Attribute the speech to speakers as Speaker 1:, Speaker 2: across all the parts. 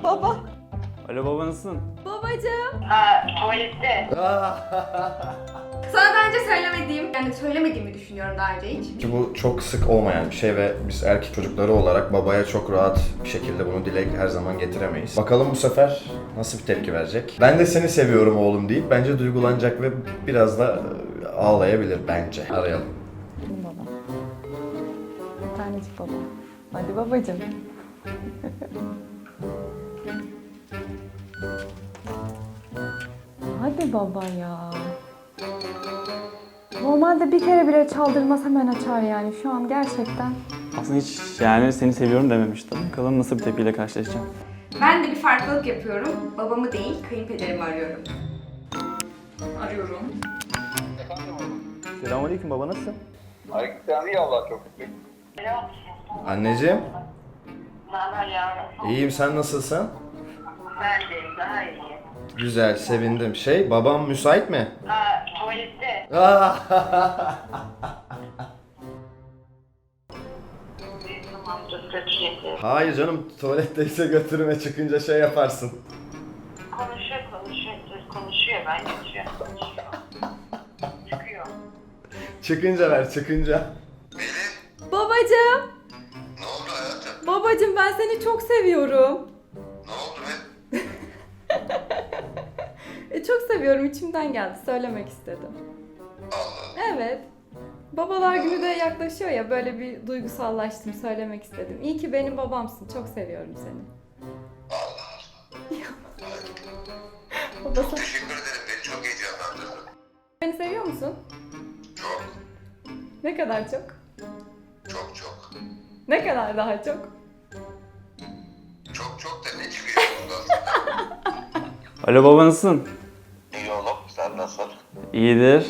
Speaker 1: Baba.
Speaker 2: Alo baba, nasılsın?
Speaker 1: Babacığım.
Speaker 3: Tuvalette.
Speaker 1: Sana daha önce söylemediğimi düşünüyorum daha önce hiç.
Speaker 4: Ki bu çok sık olmayan bir şey ve biz erkek çocukları olarak babaya çok rahat bir şekilde bunu dile her zaman getiremeyiz. Bakalım bu sefer nasıl bir tepki verecek? Ben de seni seviyorum oğlum deyip bence duygulanacak ve biraz da ağlayabilir bence. Arayalım.
Speaker 5: Baba. Tanecik baba. Hadi babacığım. Hadi baba ya. Normalde bir kere bile çaldırmaz hemen açar yani şu an gerçekten.
Speaker 2: Aslında hiç yani seni seviyorum dememiştim. Bakalım nasıl bir tepkiyle karşılaşacağım.
Speaker 1: Ben de bir farklılık yapıyorum. Babamı değil, kayınpederimi arıyorum. Arıyorum.
Speaker 2: Selamünaleyküm baba, nasılsın?
Speaker 6: Aleykümselam, iyi Allah çok şükür.
Speaker 4: Anneciğim,
Speaker 3: Ne haber yavrum?
Speaker 4: iyiyim, sen nasılsın?
Speaker 3: Ben de daha iyi.
Speaker 4: Güzel, sevindim. Babam müsait mi?
Speaker 3: Tuvalette. Tamamdır, götüreceğim.
Speaker 4: Hayır canım, tuvaletteyse götürme, çıkınca şey yaparsın.
Speaker 3: Konuşuyor. Ben geçiyorum. Çıkıyor.
Speaker 4: Çıkınca ver, çıkınca.
Speaker 1: Babacığım.
Speaker 7: Ne oldu hayatım?
Speaker 1: Babacığım ben seni çok seviyorum.
Speaker 7: Ne oldu be?
Speaker 1: Çok seviyorum, içimden geldi. Söylemek istedim. Evet. Babalar günü de yaklaşıyor ya, böyle bir duygusallaştım, söylemek istedim. İyi ki benim babamsın, çok seviyorum seni. Babası,
Speaker 7: Teşekkür ederim. Beni çok heyecanlandırdın.
Speaker 1: beni seviyor musun?
Speaker 7: Çok,
Speaker 1: Ne kadar çok?
Speaker 7: çok.
Speaker 1: Ne kadar daha çok?
Speaker 7: Çok da ne çıkıyor bundan?
Speaker 2: Alo baba, nasılsın?
Speaker 7: İyi oğlum, sen nasıl?
Speaker 2: İyidir.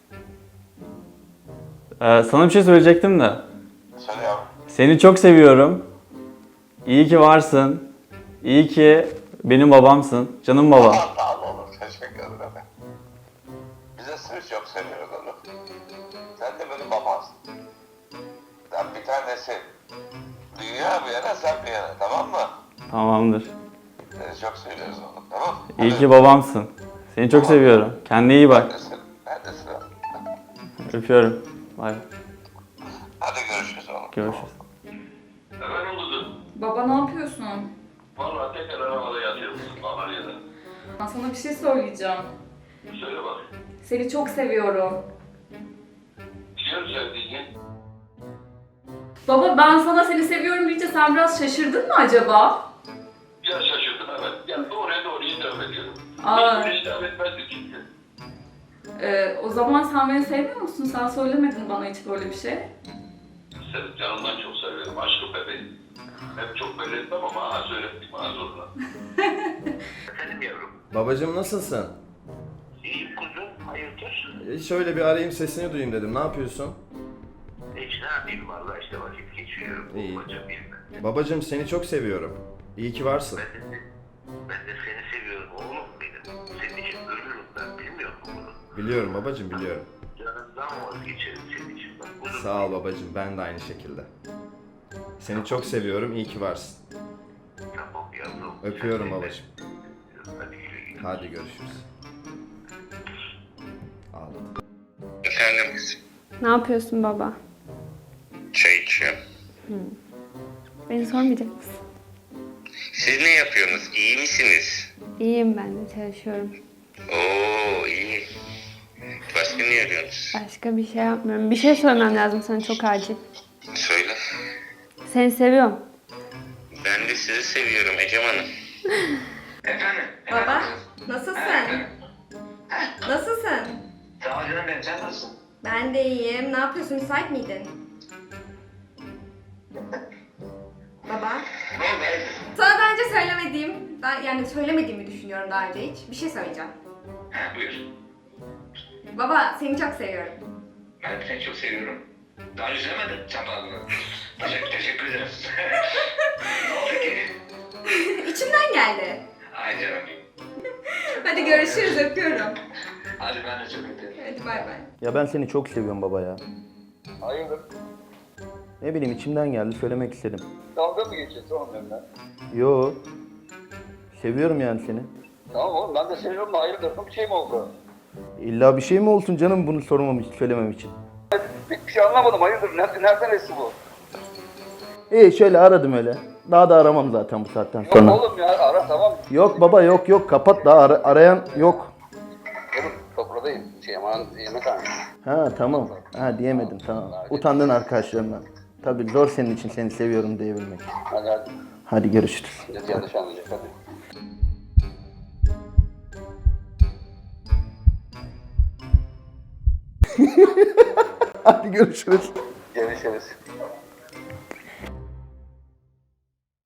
Speaker 2: Sana bir şey söyleyecektim de.
Speaker 7: Söyle yavrum.
Speaker 2: Seni çok seviyorum. İyi ki varsın. İyi ki benim babamsın. Canım babam.
Speaker 7: Sağ ol oğlum, teşekkür ederim. Bize sır çok seviyoruz oğlum. Sen de benim babamsın. Sen bir tanesi. Dünya bir yana, sen bir yana, tamam mı?
Speaker 2: Tamamdır.
Speaker 7: Seni çok seviyoruz oğlum, tamam mı?
Speaker 2: İyi ki babamsın. Seni çok seviyorum. Kendine iyi bak.
Speaker 7: Ben de sıra.
Speaker 2: Öpüyorum. Bay.
Speaker 7: Hadi görüşürüz oğlum.
Speaker 2: Görüşürüz.
Speaker 8: Efendim kuzum,
Speaker 1: Baba ne yapıyorsun?
Speaker 8: valla tekrar arabada yatıyorum Antalya'da.
Speaker 1: Ben sana bir şey söyleyeceğim.
Speaker 8: Söyle bakayım.
Speaker 1: Seni çok seviyorum.
Speaker 8: Biliyorum sevdiğini.
Speaker 1: Baba ben sana seni seviyorum deyince sen biraz şaşırdın mı acaba?
Speaker 8: Biraz şaşırdım evet. Ya doğruya hitap ediyorum.
Speaker 1: Aa.
Speaker 8: Hiç böyle hitap etmezdik çünkü.
Speaker 1: O zaman sen beni sevmiyor musun? Sen söylemedin bana hiç böyle bir şey.
Speaker 8: Seni canımdan çok seviyorum. Aşkım bebeğim. Hep çok belli etmem ama söylettim bana zorla. Efendim yavrum.
Speaker 4: Babacığım nasılsın?
Speaker 8: İyiyim kuzum. Hayırdır?
Speaker 4: Şöyle bir arayayım, sesini duyayım dedim. Ne yapıyorsun?
Speaker 8: Hiç ne yapayım valla işte vakit geçiriyorum.
Speaker 4: İyi.
Speaker 8: Bulmaca bilmem.
Speaker 4: Babacığım seni çok seviyorum. İyi ki varsın.
Speaker 8: Ben de seni seviyorum oğlum benim. Senin için ölürüm ben. Bilmiyor musun bunu?
Speaker 4: Biliyorum babacığım, biliyorum.
Speaker 8: Canından vazgeçerim senin için. Bak, bunu
Speaker 4: Sağ ol babacığım, ben de aynı şekilde. Seni çok seviyorum, iyi ki varsın.
Speaker 8: Tamam yavrum.
Speaker 4: Öpüyorum babacığım.
Speaker 8: Hadi güle güle.
Speaker 4: Hadi görüşürüz. Ağladı.
Speaker 7: Efendim kızım.
Speaker 5: Ne yapıyorsun baba?
Speaker 7: Çay içiyorum.
Speaker 5: Beni sormayacak mısın?
Speaker 7: Siz ne yapıyorsunuz? İyi misiniz?
Speaker 5: İyiyim ben de çalışıyorum.
Speaker 7: Oo iyi. Başka ne arıyorsunuz?
Speaker 5: Başka bir şey yapmıyorum. Bir şey söylemem lazım sana çok acil.
Speaker 7: Söyle.
Speaker 5: Seni seviyorum.
Speaker 7: Ben de sizi seviyorum Ecem Hanım.
Speaker 8: Efendim?
Speaker 1: Baba nasılsın? Nasılsın?
Speaker 8: Sağ ol canım benim. Sen nasılsın?
Speaker 1: Ben de iyiyim. Ne yapıyorsun? Müsait miydin? Baba.
Speaker 8: Ne oldu?
Speaker 1: Sana daha önce söylemediğimi düşünüyorum daha önce hiç. Bir şey söyleyeceğim.
Speaker 8: Ha, buyur.
Speaker 1: Baba seni çok seviyorum.
Speaker 8: Ben de seni çok seviyorum. Daha önce söylemedin. Sen bana bunu. Teşekkür ederim. Ne oldu ki?
Speaker 1: İçimden geldi.
Speaker 8: Ay canım.
Speaker 1: Hadi görüşürüz, öpüyorum.
Speaker 8: Hadi ben de çok öpüyorum.
Speaker 1: Hadi bay bay.
Speaker 2: Ya ben seni çok seviyorum baba ya.
Speaker 6: Hayırdır?
Speaker 2: Ne bileyim, içimden geldi, söylemek istedim.
Speaker 6: Dalga mı geçiyorsun oğlum benimle?
Speaker 2: Yo.
Speaker 9: Seviyorum yani seni.
Speaker 6: Tamam oğlum ben de seviyorum da hayırdır bir şey mi oldu?
Speaker 9: İlla bir şey mi olsun canım bunu sormam için, söylemem için?
Speaker 6: Bir şey anlamadım hayırdır nereden esti bu?
Speaker 9: İyi şöyle aradım öyle. Daha da aramam zaten bu saatten
Speaker 6: Yok
Speaker 9: sonra.
Speaker 6: oğlum ya ara tamam.
Speaker 9: Yok baba yok kapat daha arayan yok.
Speaker 6: Oğlum sofradayım aman yemekhanede.
Speaker 9: Ha tamam. Ha diyemedim tamam. Utandın arkadaşlarından. Tabii zor senin için seni seviyorum diyebilmek.
Speaker 6: Hadi.
Speaker 9: Hadi görüşürüz.
Speaker 6: Millet yanlış anlayacak hadi.
Speaker 9: Hadi görüşürüz.
Speaker 6: Görüşürüz.